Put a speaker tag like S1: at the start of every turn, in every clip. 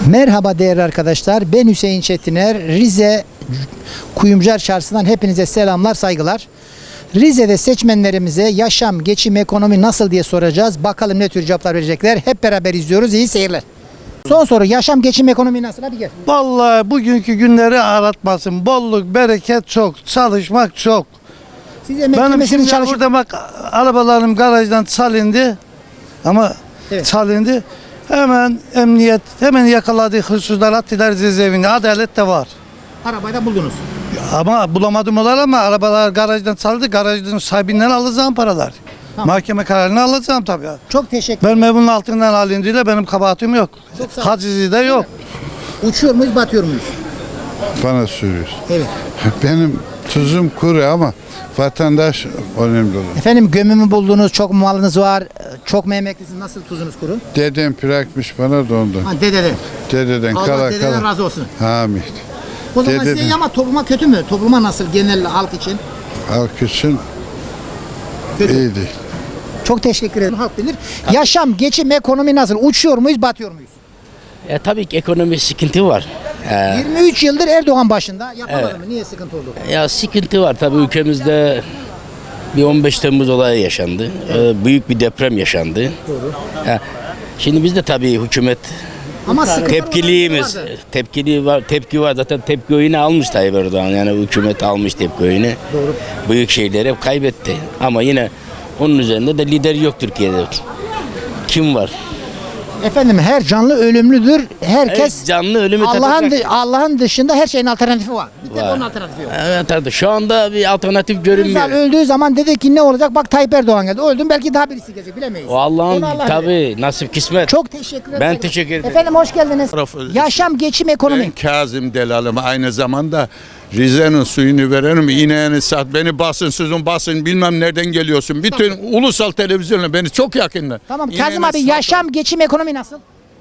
S1: Merhaba değerli arkadaşlar. Ben Hüseyin Çetiner. Rize Kuyumcular Çarşısı'ndan hepinize selamlar, saygılar. Rize'de seçmenlerimize yaşam, geçim, ekonomi nasıl diye soracağız. Bakalım ne tür cevaplar verecekler. Hep beraber izliyoruz. İyi seyirler. Son soru. Yaşam, geçim, ekonomi nasıl? Hadi gel.
S2: Vallahi bugünkü günleri aratmasın. Bolluk, bereket çok. Çalışmak çok.
S1: Siz emekli
S2: Benim
S1: misiniz,
S2: şimdi
S1: çalışıp?
S2: burada bak arabalarım garajdan salındı. Ama
S1: Evet.
S2: salındı. Hemen emniyet hemen yakaladığı hırsızlar attılar cezaevine. Adalet de var.
S1: Arabayı da buldunuz.
S2: Ama bulamadım olar ama arabalar garajdan saldı. Garajdan sahibinden alacağım paralar.
S1: Tamam.
S2: Mahkeme kararını alacağım tabii.
S1: Çok teşekkür
S2: Ben evin altından alındığıyla benim kabahatim yok.
S1: Çok sağ ol.
S2: Hacizi de yok.
S1: Uçuyor muyuz, batıyor muyuz?
S3: Bana soruyorsun.
S1: Evet.
S3: Benim tuzum kuru ama vatandaş önemli olan.
S1: Efendim, gömümü buldunuz, çok mu malınız var, çok mu emeklisiniz, nasıl tuzunuz kuru?
S3: Dedem bırakmış bana da ondan.
S1: Ha, dededen.
S3: Dededen
S1: Allah
S3: kala
S1: dededen
S3: kala.
S1: razı olsun.
S3: Hamid.
S1: O zaman
S3: Dededen.
S1: size iyi ama topluma kötü mü? Topluma nasıl, genel halk için?
S3: Halk için
S1: Kötü.
S3: iyi değil.
S1: Çok teşekkür ederim. Halk bilir. Yaşam, geçim, ekonomi nasıl? Uçuyor muyuz, batıyor muyuz?
S4: Tabii ki ekonomi sıkıntı var.
S1: 23 yıldır Erdoğan başında. Yapamadı mı? Niye sıkıntı oldu?
S4: Ya sıkıntı var tabii ülkemizde bir 15 Temmuz olayı yaşandı. Büyük bir deprem yaşandı.
S1: Doğru.
S4: Şimdi biz de tabii hükümet
S1: Ama sıkıntı
S4: tepkiliyiz. Tepki var zaten tepki oyunu almış Tayyip Erdoğan. Yani hükümet almış tepki oyunu.
S1: Doğru.
S4: Büyük şeyleri hep kaybetti. Ama yine onun üzerinde de lider yok Türkiye'de. Kim var?
S1: Efendim, her canlı ölümlüdür. Herkes
S4: Canlı ölümü
S1: Allah'ın
S4: tadacak.
S1: Allah'ın dışında her şeyin alternatifi var. Bir tek
S4: Var.
S1: onun alternatifi yok.
S4: Evet tabii şu anda bir alternatif
S1: Özal
S4: görünmüyor.
S1: öldüğü zaman dedi ki ne olacak? Bak, Tayyip Erdoğan geldi. Öldüm, belki daha birisi gelecek, bilemeyiz.
S4: O Allah'ın
S1: Onu Allah bilir.
S4: tabii nasip kısmet.
S1: Çok teşekkür ederim.
S4: Ben teşekkür ederim.
S1: Efendim, hoş geldiniz. Yaşam, geçim, ekonomi.
S5: Ben Kazım Delalım, aynı zamanda Rize'nin suyunu verenim, ineğini sat, beni basın sözün basın, bilmem nereden geliyorsun. Bütün ulusal televizyonla beni çok yakınlar.
S1: Tamam
S5: İneğini
S1: Kazım abi,
S5: sat.
S1: yaşam, geçim, ekonomi nasıl?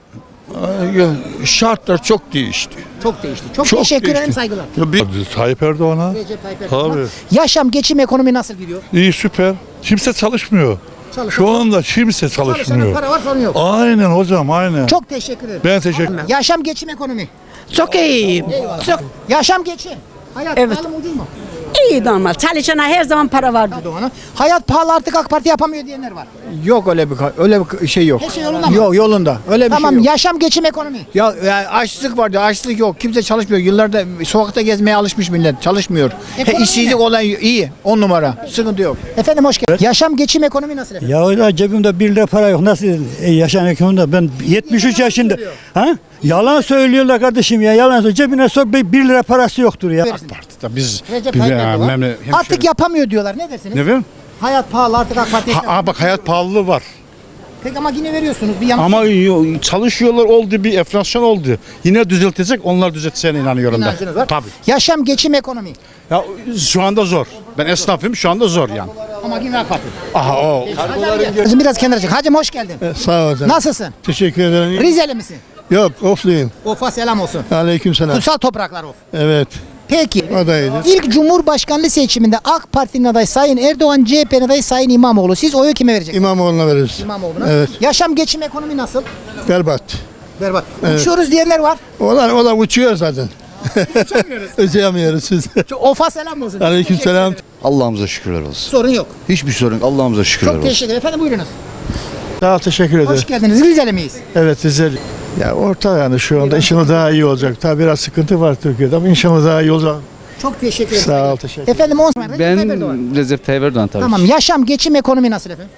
S5: Şartlar çok değişti.
S1: Çok değişti. Çok,
S5: Çok
S1: teşekkür ederim,
S5: değişti.
S1: saygılar.
S6: Tayyip Erdoğan'a.
S1: Recep Tayyip Erdoğan'a.
S6: Tabii.
S1: Yaşam, geçim, ekonomi nasıl gidiyor?
S6: İyi, süper. Kimse çalışmıyor. Şu anda kimse
S1: Çalışana
S6: çalışmıyor.
S1: para var, sorun yok.
S6: Aynen hocam, aynen.
S1: Çok teşekkür ederim.
S6: Ben teşekkür ederim.
S1: Yaşam, geçim, ekonomi.
S7: Çok iyiyim.
S1: Eyvallah.
S7: Çok
S1: Yaşam, geçim. Hayat
S7: Evet.
S1: pahalı mı, ucuz mu?
S7: iyi normal. Çalışana her zaman para vardır.
S1: Erdoğan'a. Hayat pahalı, artık AK Parti yapamıyor diyenler var.
S8: Yok öyle bir şey yok.
S1: Her şey yolunda mı?
S8: Yok, yolunda. Öyle bir
S1: Tamam,
S8: şey yok.
S1: yaşam, geçim, ekonomi.
S8: Ya, açlık vardı, açlık yok. Kimse çalışmıyor. Yıllarda sokakta gezmeye alışmış millet. Çalışmıyor.
S1: Ekonomi
S8: İşsizlik
S1: ne?
S8: olan iyi. 10 numara. Sıkıntı yok.
S1: Efendim, hoş geldiniz. Yaşam, geçim, ekonomi nasıl efendim?
S9: Ya öyle cebimde 1 lira para yok. Nasıl yaşam ekonomide? Ben 73 yaşında.
S1: söylüyor.
S9: Ha? Yalan söylüyorlar kardeşim ya. Yalan söylüyor. Cebine sor 1 lira parası yoktur ya.
S1: Verirsin.
S10: Biz
S1: Recep Tayyip Erdoğan. Artık yapamıyor diyorlar. Ne dersiniz?
S10: ne bileyim?
S1: Hayat pahalı, artık AK Parti yapamıyor.
S10: Bak hayat pahalılığı var.
S1: Peki ama yine veriyorsunuz. Bir yanlış.
S10: Ama çalışıyorlar, oldu bir enflasyon oldu. Yine düzeltecek, onlar düzelteceğine inanıyorum ben.
S1: İnancınız var.
S10: Tabii.
S1: Yaşam, geçim, ekonomi.
S10: Ya şu anda zor. Ben esnafım, şu anda zor yani.
S1: Ama yine AK Parti.
S10: Aha o.
S1: Hacım biraz kenara çık. Hacım hoş geldin.
S8: Sağ ol hocam.
S1: Nasılsın?
S8: Teşekkür ederim.
S1: Rizeli misin?
S8: Yok, ofluyum.
S1: Ofa selam olsun.
S8: Aleyküm selam.
S1: Kutsal topraklar of.
S8: Evet.
S1: Peki.
S8: O da iyidir.
S1: İlk Cumhurbaşkanlığı seçiminde AK Parti'nin adayı Sayın Erdoğan, CHP'nin adayı Sayın İmamoğlu. Siz oyu kime vereceksiniz?
S8: İmamoğlu'na veririz.
S1: İmamoğlu'na.
S8: Evet.
S1: Yaşam, geçim, ekonomi nasıl?
S8: Berbat.
S1: Berbat. Uçuyoruz diyenler var.
S8: Onlar uçuyor zaten. Uçamıyoruz biz.
S1: Ofa selam olsun.
S8: Aleyküm selam.
S11: Allah'ımıza şükürler olsun.
S1: Sorun yok.
S11: Hiçbir sorun yok. Allah'ımıza şükürler
S1: Çok
S11: olsun.
S1: teşekkür ederim. Efendim, buyurunuz.
S8: Sağ ol, teşekkür ederim.
S1: Hoş geldiniz. Rizeli miyiz?
S8: Evet, Rizeli. Ya orta yani şu anda inşallah daha iyi olacak. Tabii biraz sıkıntı var Türkiye'de ama inşallah daha iyi olacak.
S1: Çok teşekkür ederim.
S8: Sağ ol, teşekkür
S1: Efendim, Recep Tayyip Erdoğan.
S12: Recep Tayyip Erdoğan tabii.
S1: Tamam. Yaşam, geçim, ekonomi nasıl efendim?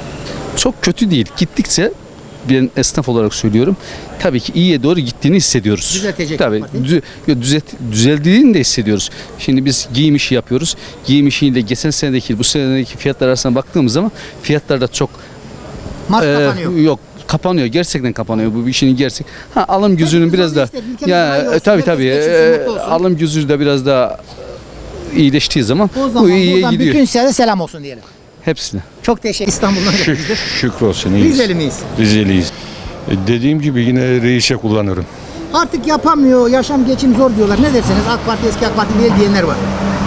S12: Çok kötü değil. Gittikçe ben esnaf olarak söylüyorum. Tabii ki iyiye doğru gittiğini hissediyoruz.
S1: Düzeltecek
S12: Tabii.
S1: parti.
S12: Düzeldiğini de hissediyoruz. Şimdi biz giyim işi yapıyoruz. Giyim işiyle geçen senedeki bu senedeki fiyatlar arasına baktığımız zaman fiyatlar da çok
S1: Mart kapanıyor.
S12: yok. Kapanıyor. Gerçekten kapanıyor. Bu bir işin gerçek. Alım gücünün biraz da tabii alım gücü de biraz daha iyileştiği zaman
S1: O
S12: bu
S1: zaman
S12: iyiye
S1: buradan
S12: gidiyor.
S1: bütün size selam olsun diyelim.
S12: Hepsine.
S1: Çok teşekkür İstanbul'dan gelmiştir.
S10: Şükür olsun, iyiyiz.
S1: Rizeli miyiz?
S10: Rizeliyiz. Dediğim gibi yine reise kullanırım.
S1: Artık yapamıyor, yaşam, geçim zor diyorlar. Ne dersiniz? AK Parti eski AK Parti değil diyenler var.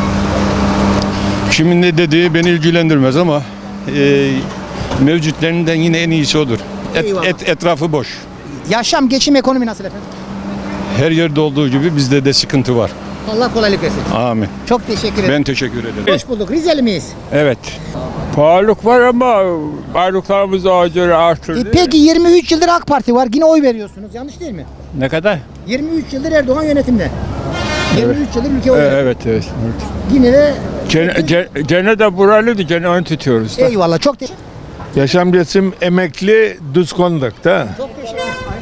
S10: Kimin ne dediği beni ilgilendirmez ama mevcutlerinden yine en iyisi odur.
S1: Eyvallah.
S10: Etrafı boş.
S1: Yaşam, geçim, ekonomi nasıl efendim?
S6: Her yerde olduğu gibi bizde de sıkıntı var.
S1: Allah kolaylık versin.
S6: Amin.
S1: Çok teşekkür ederim.
S6: Ben teşekkür ederim.
S1: Hoş bulduk. Rizeli miyiz?
S6: Evet.
S10: Pahalılık var ama varlıklarımız acil artırdı.
S1: Peki 23 yıldır AK Parti var. Yine oy veriyorsunuz. Yanlış değil mi?
S6: Ne kadar?
S1: 23 yıldır Erdoğan yönetimde. 23 yıldır ülke oy veriyor.
S6: Evet.
S1: Yine de
S6: Gene de buralıydı. Gene onu tutuyoruz.
S1: eyvallah. Çok teşekkür
S8: Yaşam geçim emekli düz kondak da.
S1: Çok teşekkür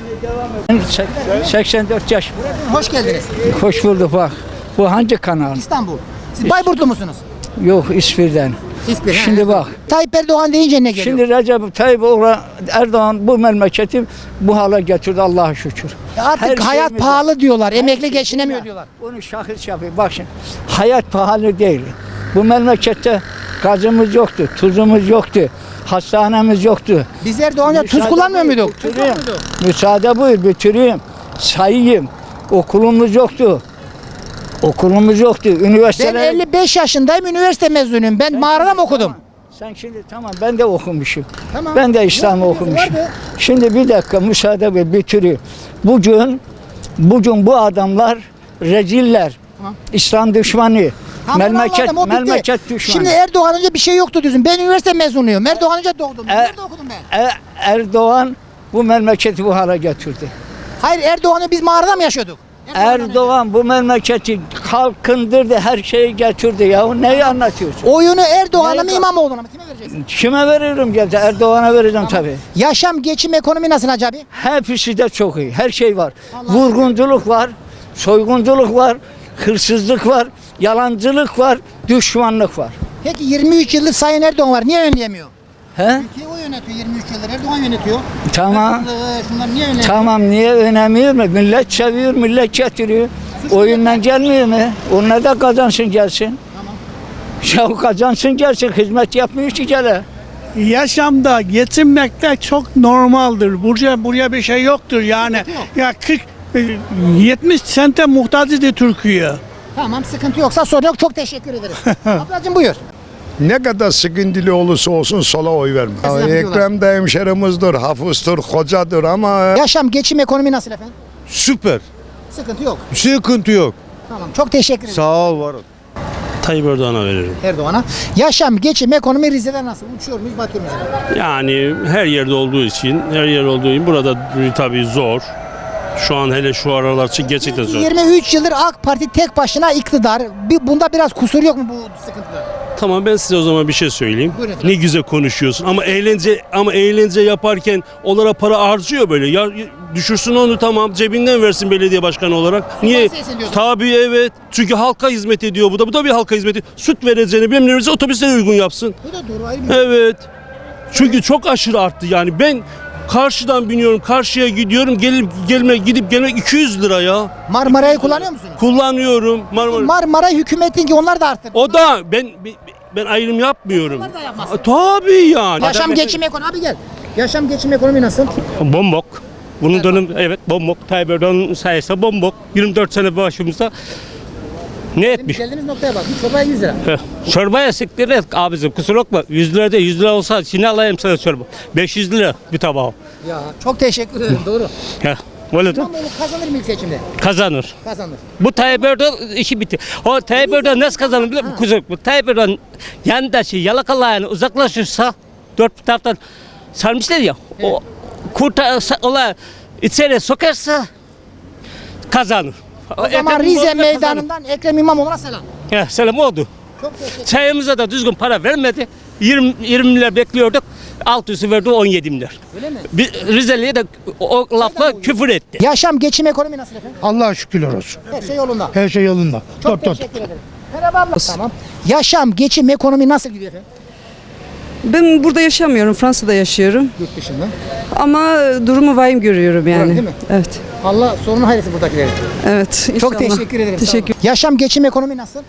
S1: ederim.
S9: 84 yaş.
S1: Hoş geldiniz.
S9: Hoş bulduk bak. Bu hangi kanal?
S1: İstanbul. Siz Bayburtlu musunuz?
S9: Yok İsviçre'den.
S1: İspir,
S9: Şimdi bak.
S1: Tayyip Erdoğan deyince ne geliyor?
S9: Şimdi Recep Tayyip Erdoğan bu memleketi bu hale getirdi Allah'a şükür.
S1: Artık
S9: her
S1: hayat
S9: şeyimiz-
S1: pahalı diyorlar. Emekli geçinemiyor diyorlar.
S9: Onu şahıs yapıyor. Bak şimdi hayat pahalı değil. Bu memlekette gazımız yoktu, tuzumuz yoktu, hastanemiz yoktu.
S1: Biz Erdoğan'a tuz
S9: Müsaade
S1: kullanmıyor
S9: buyur,
S1: muyduk? Tuz
S9: bitireyim.
S1: kullanmıyorduk.
S9: Müsaade buyur bitireyim. Sayayım. Okulumuz yoktu. Okulumuz yoktu.
S1: Ben
S9: Üniversiteler...
S1: 55 yaşındayım. Üniversite mezunuyum. Ben mağarada mı okudum?
S9: Sen şimdi tamam ben de okumuşum.
S1: Tamam.
S9: Ben de İslam'ı
S1: Yok,
S9: okumuşum.
S1: vardı.
S9: Şimdi bir dakika müsaade ve bitireyim. Bugün bu adamlar reziller.
S1: Tamam.
S9: İslam düşmanı.
S1: Tamam, anladım, o bitti.
S9: Memleket düşmanı.
S1: Şimdi Erdoğan önce bir şey yoktu diyorsun. Ben üniversite mezunuyum. Erdoğan önce doğdum. Nerede okudum ben?
S9: Erdoğan bu memleketi bu hale getirdi.
S1: Hayır, Erdoğan'ı biz mağarada mı yaşıyorduk?
S9: Erdoğan bu memleketi kalkındırdı, her şeyi getirdi ya. Neyi anlatıyorsun?
S1: Oyunu Erdoğan'a mı
S9: Nerede?
S1: İmamoğlu'na mı? Kime vereceksin?
S9: Kime veririm geldi? Erdoğan'a vereceğim tabii.
S1: Yaşam, geçim, ekonomi nasıl Hacı abi?
S9: Hepsi de çok iyi. Her şey var. Vurgunculuk var, soygunculuk var, hırsızlık var, yalancılık var, düşmanlık var.
S1: Peki 23 yıldır Sayın Erdoğan var. Niye önleyemiyor?
S9: He?
S1: Ülkeyi o yönetiyor 23 yıldır. Erdoğan yönetiyor.
S9: Tamam.
S1: Şunlar niye önleyemiyor?
S9: Tamam niye önemli mi? Millet seviyor, millet getiriyor. Oyundan gelmiyor mu? Onlar da kazansın gelsin. Tamam. Ya kazansın gelsin, hizmet yapmıyor ki gele.
S2: Yaşamda geçinmekte çok normaldir. Buraya bir şey yoktur yani. Ya 70 sente muhtaç idi Türkiye.
S1: Tamam, sıkıntı yoksa sorun yok. Çok teşekkür ederim. Ablacığım buyur.
S8: Ne kadar sıkıntılı olursa olsun sola oy verme.
S1: Ekrem
S8: de hemşerimizdir, hafızdır, kocadır ama
S1: Yaşam, geçim, ekonomi nasıl efendim?
S8: süper.
S1: Sıkıntı yok.
S8: Sıkıntı yok.
S1: Tamam, çok teşekkür ederim.
S8: Sağ ol var ol.
S10: Tayyip Erdoğan'a veririm.
S1: Erdoğan'a. Yaşam, geçim, ekonomi Rize'de nasıl? Uçuyor muyuz, batıyor muyuz?
S10: Yani her yerde olduğu için, burada tabii zor. Şu an hele şu aralar için gerçekten zor.
S1: 23 yıldır AK Parti tek başına iktidar. Bunda biraz kusur yok mu bu sıkıntıda?
S10: Tamam ben size o zaman bir şey söyleyeyim.
S1: Buyurun efendim.
S10: Ne güzel konuşuyorsun ama eğlence yaparken onlara para harcıyor böyle. Ya düşürsün onu tamam cebinden versin belediye başkanı olarak. Niye?
S1: Bahsetsin diyorsun.
S10: Tabii evet. Çünkü halka hizmet ediyor bu da. Bu da bir halka hizmeti. Süt vereceğini bilmem ne vereceğini otobüslere uygun yapsın.
S1: Bu da doğru, ayrı bir
S10: Evet. Çünkü çok aşırı arttı yani. Ben karşıdan biniyorum, karşıya gidiyorum. Gidip gelmek 200 lira ya.
S1: Marmara'yı kullanıyor musunuz?
S10: Kullanıyorum.
S1: Marmara hükümetin ki onlar da arttı.
S10: O da ben ayrım yapmıyorum.
S1: Onlar da yapmaz.
S10: Tabii yani.
S1: Yaşam, geçim, ekonomi. Abi gel. Yaşam, geçim, ekonomi nasıl?
S10: Bombok. Bunun dönüm evet bombok. Tayyip Erdoğan'ın sayesinde bombok. 24 sene başımızda ne etmiş?
S1: Geldiğimiz noktaya bak. Bir çorbaya 100 lira.
S10: Çorbaya siktir et abicim kusura bakma. 100 lira değil 100 lira olsa şimdi alayım sana çorba. 500 lira bir tabağı.
S1: Ya çok teşekkür ederim. Doğru.
S10: Ya, öyle de
S1: İmamoğlu kazanır mı ilk seçimde?
S10: kazanır.
S1: Kazanır.
S10: Bu Tayyip Erdoğan işi bitti. O Tayyip Erdoğan nasıl kazanır biliyor musun? Bu Tayyip Erdoğan yandaşı yalakalayını uzaklaşırsa dört taraftan sarmışlar ya. O ola içeri sokarsa kazanır.
S1: O zaman Rize meydanından Ekrem İmamoğlu'na selam.
S10: Ya, selam oldu.
S1: Çok teşekkür ederim.
S10: Çayımıza da düzgün para vermedi. 20 milyar bekliyorduk. 600'ü verdi 17 milyar.
S1: Öyle mi?
S10: Rizeli'ye de o lafla küfür etti.
S1: Yaşam, geçim, ekonomi nasıl efendim?
S2: Allah'a şükürler olsun.
S1: Her şey yolunda.
S2: Her şey yolunda.
S1: Çok teşekkür ederim. Merhaba abla. Tamam. Yaşam, geçim, ekonomi nasıl gidiyor efendim?
S7: Ben burada yaşamıyorum, Fransa'da yaşıyorum.
S1: Yurt dışında.
S7: Ama durumu vahim görüyorum yani.
S1: Değil mi?
S7: Evet.
S1: Allah sorunu hayretsin buradakileri.
S7: Evet.
S1: Çok
S7: inşallah.
S1: teşekkür ederim.
S7: Teşekkür.
S1: Sağ olun. Yaşam, geçim, ekonomi nasıl?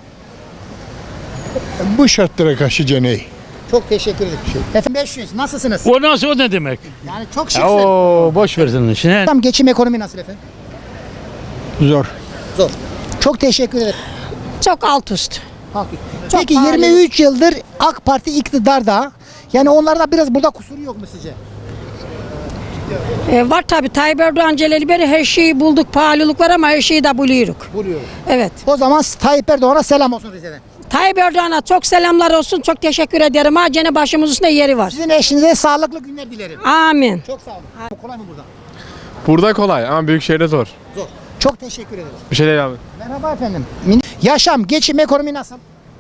S8: Bu şartlara karşı ceney.
S1: Çok teşekkür ederim. Efendim 500. Nasılsınız?
S6: O nasıl o ne demek?
S1: Yani çok şıksın.
S6: Boş versin işine.
S1: Yaşam, geçim, ekonomi nasıl efendim?
S6: Zor.
S1: Zor. Çok teşekkür ederim.
S7: Çok alt üst.
S1: Peki 23 yıldır AK Parti iktidarda. Yani onlarda biraz burada kusuru yok mu sizce?
S7: Var tabii. Tayyip Erdoğan geleli beri her şeyi bulduk. Pahalılık var ama her şeyi de buluyoruz.
S1: Buluyoruz.
S7: Evet.
S1: O zaman Tayyip Erdoğan'a selam olsun Rize'den.
S7: Tayyip Erdoğan'a çok selamlar olsun. Çok teşekkür ederim. Ha gene başımızın üstünde yeri var.
S1: Sizin eşinize sağlıklı günler dilerim.
S7: Amin.
S1: Çok sağ olun. Kolay mı burada?
S13: Burada kolay ama büyük şehirde zor.
S1: Zor. Çok teşekkür ederiz.
S13: Bir şey değil abi.
S1: Merhaba efendim. Yaşam, geçim, ekonomi nasıl?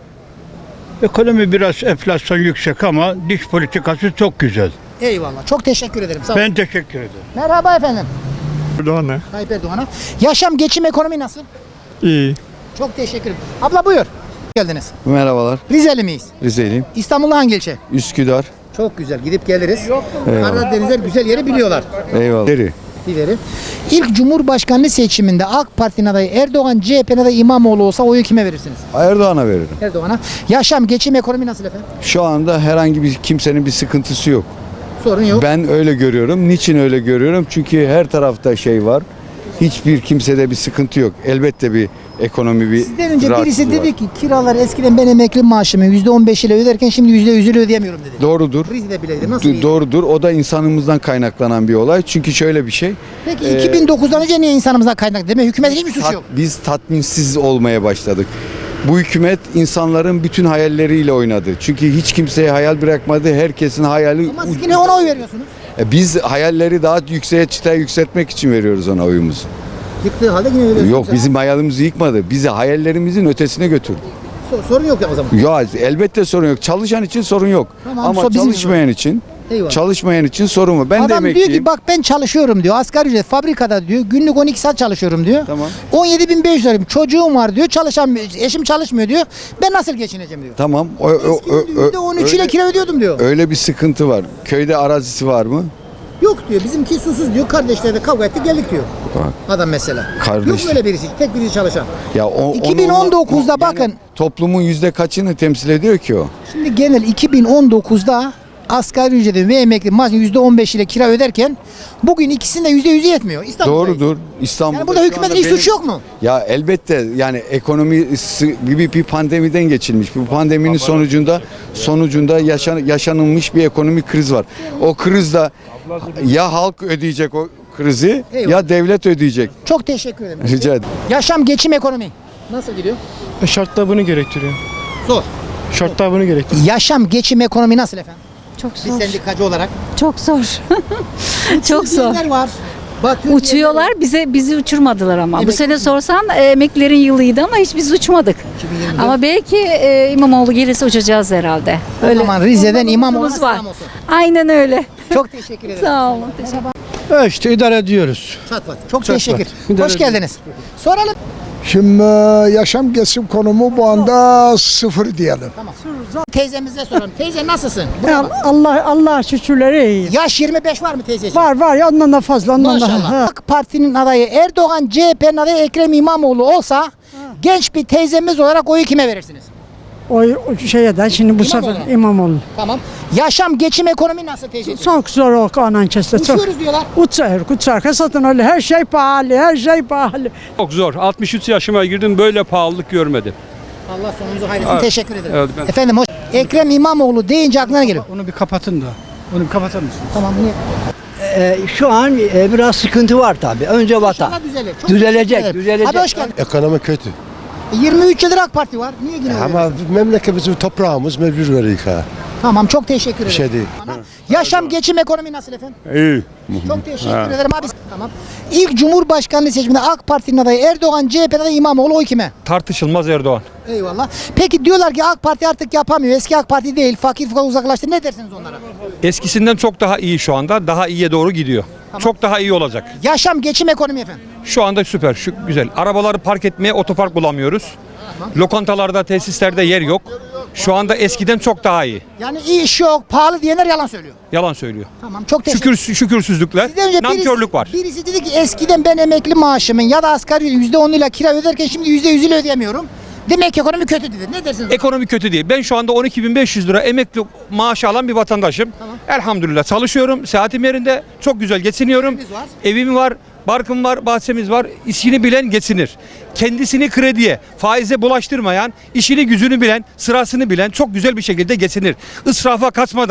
S2: Ekonomi biraz enflasyon yüksek ama dış politikası çok güzel.
S1: Eyvallah. Çok teşekkür ederim. Sağ olun.
S2: Ben teşekkür ederim.
S1: Merhaba efendim.
S2: Erdoğan ne?
S1: Tayyip Erdoğan'a. Yaşam, geçim, ekonomi nasıl?
S2: İyi.
S1: Çok teşekkür ederim. Abla buyur. Geldiniz.
S11: Merhabalar.
S1: Rizeli miyiz?
S11: Rize'liyim.
S1: İstanbul'da hangi ilçe?
S11: Üsküdar.
S1: Çok güzel. Gidip geliriz.
S11: Eyvallah.
S1: Karadenizler güzel yeri biliyorlar.
S11: Eyvallah.
S1: Dileri. İlk Cumhurbaşkanlığı seçiminde AK Parti'nin adayı Erdoğan, CHP'nin adayı İmamoğlu olsa oyu kime verirsiniz?
S11: Erdoğan'a veririm.
S1: Erdoğan'a. Yaşam, geçim, ekonomi nasıl efendim?
S11: Şu anda herhangi bir kimsenin bir sıkıntısı yok.
S1: Sorun yok.
S11: Ben öyle görüyorum. Niçin öyle görüyorum? Çünkü her tarafta şey var. Hiçbir kimsede bir sıkıntı yok. Elbette bir ekonomi bir
S1: Sizden önce birisi
S11: rahatsızlığı var.
S1: dedi ki kiralar eskiden ben emekli maaşımı %15 ile öderken şimdi %100 ile ödeyemiyorum dedi.
S11: Doğrudur.
S1: Rize'de bileydi. Nasıl iyi?
S11: Doğrudur. O da insanımızdan kaynaklanan bir olay. Çünkü şöyle bir şey.
S1: Peki 2009'dan önce niye insanımızdan kaynaklı? Demek hükümetin hiçbir suçu yok.
S11: Biz tatminsiz olmaya başladık. Bu hükümet insanların bütün hayalleriyle oynadı. Çünkü hiç kimseye hayal bırakmadı. Herkesin hayali...
S1: Ama siz yine ona oy veriyorsunuz.
S11: Biz hayalleri daha yükseğe çıtaya yükseltmek için veriyoruz ona oyumuzu.
S1: Yıktığı halde yine veriyorsunuz.
S11: Yok, bizim hayalimizi yıkmadı. Bizi hayallerimizin ötesine götürdü.
S1: Sorun yok ya o zaman.
S11: Ya elbette sorun yok. Çalışan için sorun yok.
S1: Tamam,
S11: Ama
S1: bizim
S11: çalışmayan için
S1: Eyvallah.
S11: çalışmayan için sorun var. Ben de
S1: Adam diyor
S11: emekliyim.
S1: ki bak ben çalışıyorum diyor. Asgari ücret fabrikada diyor. Günlük 12 saat çalışıyorum diyor.
S11: Tamam.
S1: 17.500 lirayım. Çocuğum var diyor. Eşim çalışmıyor diyor. Ben nasıl geçineceğim diyor.
S11: Tamam.
S1: Eskiden %13 ile kira ödüyordum diyor.
S11: Öyle bir sıkıntı var. Köyde arazisi var mı?
S1: Yok diyor. Bizimki susuz diyor. Kardeşler de kavga etti geldik diyor.
S11: Bak.
S1: Adam mesela.
S11: Kardeş-
S1: Yok böyle birisi. Tek birisi çalışan.
S11: Ya
S1: 2019'da bakın.
S11: Toplumun yüzde kaçını temsil ediyor ki o?
S1: Şimdi genel 2019'da asgari ücretin ve emekli maaşın %15 ile kira öderken bugün ikisinin de %100'ü yetmiyor. İstanbul'dayız.
S11: Doğrudur. İstanbul'da
S1: Yani burada
S11: şu
S1: hükümetin
S11: anda
S1: hiç suçu yok mu?
S11: Ya elbette yani ekonomi bir pandemiden geçilmiş. Bu pandeminin sonucunda yaşanılmış bir ekonomik kriz var. O krizde ya halk ödeyecek o krizi
S1: Eyvallah.
S11: ya devlet ödeyecek.
S1: Çok teşekkür ederim.
S11: Rica ederim.
S1: Yaşam, geçim, ekonomi. Nasıl gidiyor?
S2: Şartlar bunu gerektiriyor.
S1: Zor.
S2: Şartlar bunu gerektiriyor.
S1: Yaşam, geçim, ekonomi nasıl efendim?
S7: Çok
S1: Biz sendikacı olarak.
S7: Çok zor. Çok
S1: Diyenler var. Batıyor
S7: Uçuyorlar bizi uçurmadılar ama.
S1: Emekli
S7: Bu sene sorsan emeklilerin yılıydı ama hiç biz uçmadık.
S1: 2024.
S7: Ama belki İmamoğlu gelirse uçacağız herhalde.
S1: O zaman Rize'den İmamoğlu'na
S7: umudumuz var.
S1: selam olsun.
S7: Aynen öyle.
S1: Çok teşekkür ederim.
S7: Sağ olun.
S2: İşte idare ediyoruz.
S1: Çatlat. Çok teşekkür. Hoş geldiniz. Soralım.
S8: Şimdi yaşam geçim konumu bu anda sıfır diyelim.
S1: Teyzemize soralım. Teyze nasılsın? Buraya bak.
S2: Allah şükürleri iyi.
S1: Yaş 25 var mı teyzeciğim?
S2: Var ya ondan da fazla
S1: Maşallah. AK Parti'nin adayı Erdoğan, CHP'nin adayı Ekrem İmamoğlu olsa genç bir teyzemiz olarak oyu kime verirsiniz?
S2: O şeye de şimdi bu
S1: İmamoğlu.
S2: sefer İmamoğlu.
S1: Tamam. Yaşam, geçim, ekonomi nasıl teyzeciğim?
S2: Çok zor o anan keste.
S1: Uçuyoruz diyorlar.
S2: Uçar. Satın öyle her şey pahalı.
S13: Çok zor. 63 yaşıma girdim böyle pahalılık görmedim.
S1: Allah sonunuzu hayretsin.
S13: Evet.
S1: Teşekkür ederim.
S13: Evet, ben-
S1: Efendim hoş. Ekrem İmamoğlu deyince aklına ne geliyor?
S2: Onu bir kapatın da. Onu bir kapatır mısın?
S1: Tamam. Niye?
S9: Şu an biraz sıkıntı var tabii. Önce vatan.
S1: İnşallah düzelir. Çok
S9: Düzelecek,
S1: teşekkür ederim.
S9: düzelecek.
S1: Abi hoş geldin.
S8: Ekonomi kötü.
S1: 23 yıldır AK Parti var. Niye yine
S8: Ama memleket bizim toprağımız mecbur verik ha.
S1: Tamam çok teşekkür ederim.
S8: Bir şey değil.
S1: Tamam. Yaşam, geçim, ekonomi nasıl efendim?
S13: İyi.
S1: Çok teşekkür ederim abi. Tamam. İlk Cumhurbaşkanlığı seçiminde AK Parti'nin adayı Erdoğan, CHP'nin adayı İmamoğlu oy kime?
S13: Tartışılmaz Erdoğan.
S1: Eyvallah. Peki diyorlar ki AK Parti artık yapamıyor. Eski AK Parti değil. Fakir fukara uzaklaştı. Ne dersiniz onlara?
S13: Eskisinden çok daha iyi şu anda. Daha iyiye doğru gidiyor. Çok daha iyi olacak.
S1: Yaşam, geçim, ekonomi efendim.
S13: Şu anda süper, şu güzel. Arabaları park etmeye otopark bulamıyoruz. Lokantalarda, tesislerde yer yok. Şu anda eskiden çok daha iyi.
S1: Yani iş yok, pahalı diyenler yalan söylüyor.
S13: Yalan söylüyor.
S1: Tamam çok teşekkür
S13: Şükürsüzlükler,
S1: Sizden önce
S13: nankörlük var.
S1: Birisi dedi ki eskiden ben emekli maaşımın ya da asgari %10 ile kira öderken şimdi %100 ile ödeyemiyorum. Demek ki ekonomi kötü dedi. Ne dersiniz?
S13: Ekonomi kötü değil. Ben şu anda 12.500 lira emekli maaşı alan bir vatandaşım. Elhamdülillah çalışıyorum. Saatim yerinde. Çok güzel geçiniyorum.
S1: Evimiz var.
S13: Evim var. Barkım var, bahçemiz var. İşini bilen geçinir. Kendisini krediye, faize bulaştırmayan, işini gücünü bilen, sırasını bilen çok güzel bir şekilde geçinir. Israfa kaçmadan,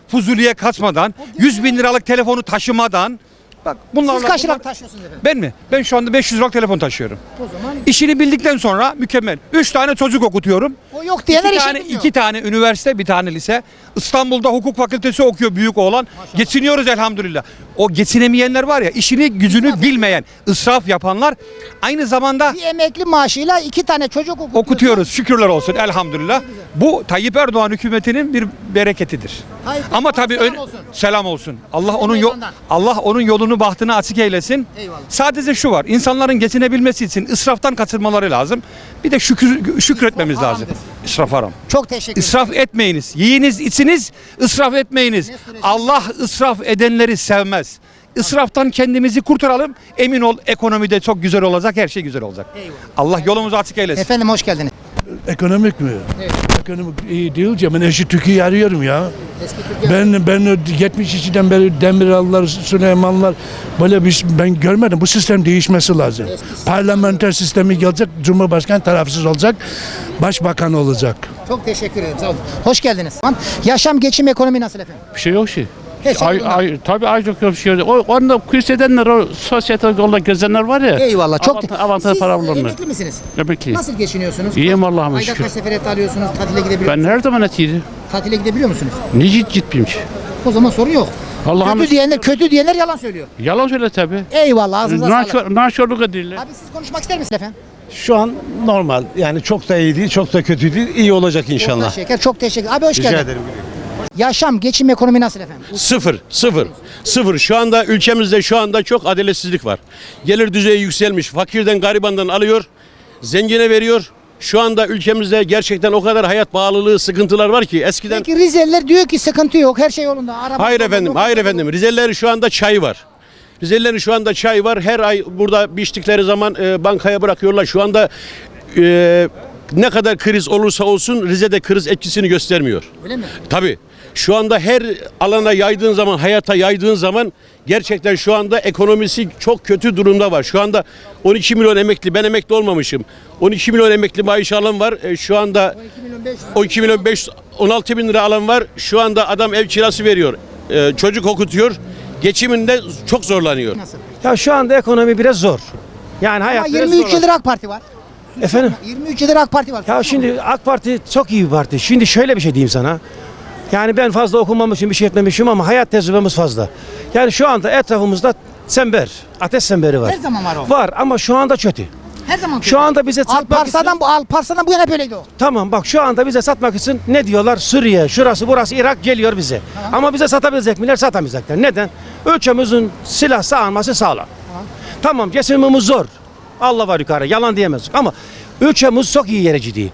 S13: Fuzuli'ye kaçmadan, 100 bin liralık telefonu taşımadan. Bak bunlarla...
S1: Siz kaç lira taşıyorsunuz efendim?
S13: Ben mi? Ben şu anda 500 liralık telefon taşıyorum.
S1: O zaman
S13: İşini bildikten sonra mükemmel. 3 tane çocuk okutuyorum.
S1: o yok diyenler işi bilmiyor.
S13: 2 tane üniversite, bir tane lise. İstanbul'da hukuk fakültesi okuyor büyük oğlan. Geçiniyoruz elhamdülillah. O geçinemeyenler var ya, işini gücünü bilmeyen, israf yapanlar, aynı zamanda
S1: Bir emekli maaşıyla 2 tane çocuk
S13: okutuyoruz. Şükürler olsun elhamdülillah. Bu Tayyip Erdoğan hükümetinin bir bereketidir.
S1: Tayyip
S13: Ama
S1: Erdoğan'a
S13: tabii
S1: selam olsun.
S13: selam olsun.
S1: Meydandan.
S13: Allah onun yolunu bahtını açık eylesin.
S1: Eyvallah.
S13: Sadece şu var. İnsanların geçinebilmesi için israftan kaçınmaları lazım. Bir de şükretmemiz
S1: İsraf
S13: lazım.
S1: haramdır.
S13: İsraf haram.
S1: Çok teşekkür ederim.
S13: İsraf etmeyiniz. Yiyiniz, içiniz, israf etmeyiniz. Allah israf edenleri sevmez. İsraftan kendimizi kurtaralım. Emin ol, ekonomide çok güzel olacak, her şey güzel olacak. Allah yolumuzu açık eylesin.
S1: Efendim hoş geldiniz.
S6: Ekonomik mi?
S1: Evet.
S6: Ekonomik iyi değil ki. Ben eski Türkiye'yi arıyorum ya.
S1: Eski Türkiye.
S6: Ben 72'den beri Demirallar, Süleymanlar böyle ben görmedim. Bu sistem değişmesi lazım. Parlamenter sistemi gelecek, Cumhurbaşkanı tarafsız olacak, Başbakan olacak.
S1: Çok teşekkür ederim. Sağ olun. Hoş geldiniz. Yaşam, geçim, ekonomi nasıl efendim?
S14: Bir şey yok ki.
S1: Her şey yolunda.
S14: Tabii ay çok bir şey yok. Onda kurs edenler, o sosyete yolda gezenler var ya.
S1: Eyvallah. Çok
S14: avantaj
S1: Siz
S14: paralarını.
S1: emekli misiniz?
S14: Emekli.
S1: Nasıl geçiniyorsunuz?
S14: İyiyim Allah'ıma
S1: Ayda
S14: şükür.
S1: kaç sefer alıyorsunuz? Tatile gidebiliyor
S14: Ben
S1: musunuz?
S14: her zaman etiydi.
S1: Tatile gidebiliyor musunuz?
S14: Niye gitmeyeyim ki?
S1: O zaman sorun yok.
S14: Allah'ım
S1: Kötü diyenler yalan söylüyor.
S14: yalan söyle tabii.
S1: Eyvallah. Ağzınıza sağlık.
S14: Nankörlük ediyorlar.
S1: Abi siz konuşmak ister misiniz efendim?
S15: Şu an normal. Yani çok da iyi değil, çok da kötü değil. İyi olacak
S1: Orta
S15: inşallah.
S1: şeker. Çok teşekkür. Abi hoş
S15: Rica
S1: geldin.
S15: ederim.
S1: Yaşam, geçim, ekonomi nasıl efendim?
S16: Sıfır. Şu anda ülkemizde şu anda çok adaletsizlik var. Gelir düzeyi yükselmiş. Fakirden garibandan alıyor. Zengine veriyor. Şu anda ülkemizde gerçekten o kadar hayat bağlılığı, sıkıntılar var ki eskiden...
S1: Peki Rizeliler diyor ki sıkıntı yok. Her şey yolunda. Araba
S16: Hayır
S1: yok.
S16: efendim. Rizelilerin şu anda çayı var. Rizelilerin şu anda çay var. Her ay burada biçtikleri zaman bankaya bırakıyorlar. Şu anda ne kadar kriz olursa olsun Rize'de kriz etkisini göstermiyor.
S1: Öyle mi?
S16: Tabii. Şu anda her alana yaydığın zaman, hayata yaydığın zaman gerçekten şu anda ekonomisi çok kötü durumda var. Şu anda 12 milyon emekli, ben emekli olmamışım. 12 milyon emekli maaş alan var. Şu anda 12 milyon 500, 16 bin lira alan var. Şu anda adam ev kirası veriyor. Çocuk okutuyor. Geçiminde çok zorlanıyor.
S1: Nasıl?
S15: Ya şu anda ekonomi biraz zor. Yani hayat
S1: Ama
S15: biraz
S1: 23
S15: zor.
S1: yıldır AK Parti var.
S15: Efendim?
S1: 23 yıldır AK Parti var.
S15: Ya şimdi AK Parti çok iyi bir parti. Şimdi şöyle bir şey diyeyim sana. Yani ben fazla okumamışım, bir şey etmemişim ama hayat tecrübemiz fazla. Yani şu anda etrafımızda sember, ateş semberi var.
S1: Her zaman var o.
S15: Var ama şu anda kötü.
S1: Her zaman
S15: Şu anda bize satmak için...
S1: Alparslan'dan bu yana hep öyleydi o.
S15: Tamam bak şu anda bize satmak için ne diyorlar? Suriye, şurası, burası, Irak geliyor bize. Ama bize satabilecek miler? Satamayacaklar. Neden? Ülkemizin silah sağlanması sağlam. Tamam geçimimiz zor. Allah var yukarı, yalan diyemez. Ama ülkemiz çok iyi yere gidiyor.